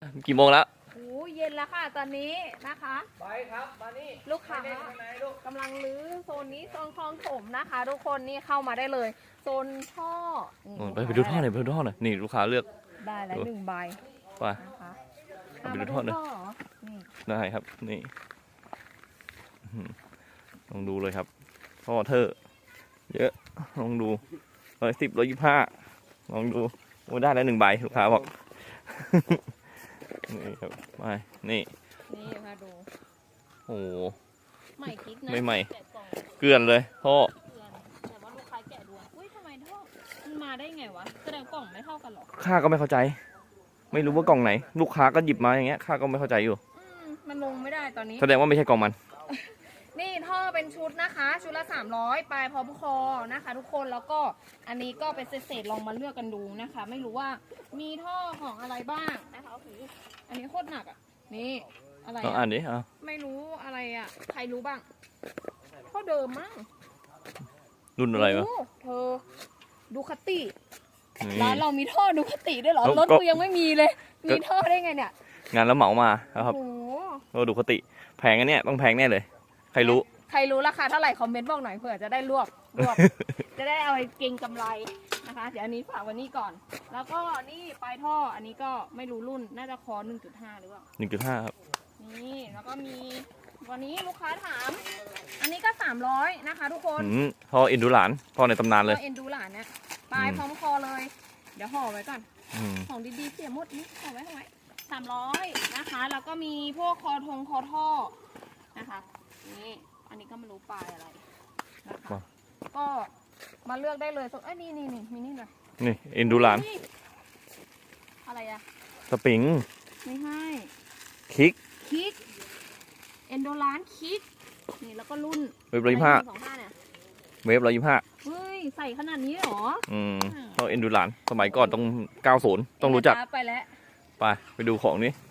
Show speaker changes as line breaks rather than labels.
กี่โมงแล้ว
โอ้เย็นแล้วค่ะตอนนี้นะคะ
ไปครับมานี่
ลูกค้ากำลังรื้อโซนนี้โซนคลองถมนะคะ ทุกคนนี่เข้ามาได้เลยโซนท่อ
ไปดูท่อหน่อยไปดูท่อหน่อยนี่ลูกค้าเลือก
ได้แล้ว1 ใบ
ไป
นะคะ
ไปดูท่อหน่อยได้ครับนี่ลองดูเลยครับท่อเธอเยอะลองดู110 125ลองดูโอ้ได้แล้ว1 ใบลูกค้าบอกนี่ครับไปนี่
มาดู
โอ้
ใหม่คลิกนะ
ไม่ใหม่เกลื่อนเลยท่อ
แต่ว่าลูกค้าแกะดูอุ้ยทำไมท่อมันมาได้ไงวะแสดงกล่องไม่เท่ากันหรอ
ข้าก็ไม่เข้าใจไม่รู้ว่ากล่องไหนลูกค้าก็หยิบมาอย่างเงี้ยข้าก็ไม่เข้าใจอยู่
มันลงไม่ได้ตอนนี้
แสดงว่าไม่ใช่กล่องมัน
นี่ท่อเป็นชุดนะคะชุดละ300ปลายพร้อมคอนะคะทุกคนแล้วก็อันนี้ก็เป็นเศษๆลองมาเลือกกันดูนะคะไม่รู้ว่ามีท่อของอะไรบ้างนะคะอันนี้โคตรหนักอ่ะนี่อะไร
อ่านดิ
ไม่รู้อะไรอ่ะใครรู้บ้างท่อเดิมมั้ง
รุ่นอะไรวะ
เธอดูคติร้านเรามีท่อดูคติด้วยเหรอรถกูยังไม่มีเลยมีท่อได้ไงเนี่ย
งานแล้วเหมามาครับเราดูคติแพงอันเนี้ยต้องแพงแน่เลยใครรู้
ราคาเท่าไหร่คอมเมนต์บอกหน่อยเผื่อจะได้รวบจะได้เอาไปเก็งกำไรนะคะเดี๋ยวอันนี้ฝากวันนี้ก่อนแล้วก็นี่ปลายท่ออันนี้ก็ไม่รู้รุ่นน่าจะคอ 1.5 หรือเปล่า
1.5 ครับ
นี่แล้วก็มีวันนี้ลูกค้าถามอันนี้ก็300นะคะทุกคน
ท่อเอ็นดูหลานท่อในตำนานเลย
เอ็นดูหลานเนี่ยปลายพร้อมคอเลยเดี๋ยวห่อไว้ก่อนของดีๆเสียหมดนี่ห่อไว้300นะคะแล้วก็มีพวกคอท่อนะคะนี่อันนี้ก็ไม่รู้ปลายอะไรนะคะก็มาเลือกได้เลยนี่มีนี่หน่อย
นี่เอ็นดูหลาน
อะไรอะ
สปริง
ไม่ให้
คิก
เอ็นดูหลานคิกนี่แล้วก็รุ่น
เวฟ125เนี่ยเวฟ125
เฮ้ยใส่ขนาดนี้หรอ
ท่อเอ็นดูหลานสมัยก่อนต้อง90ต้องรู้จัก
ไปแล้ว
ไปดูของนี้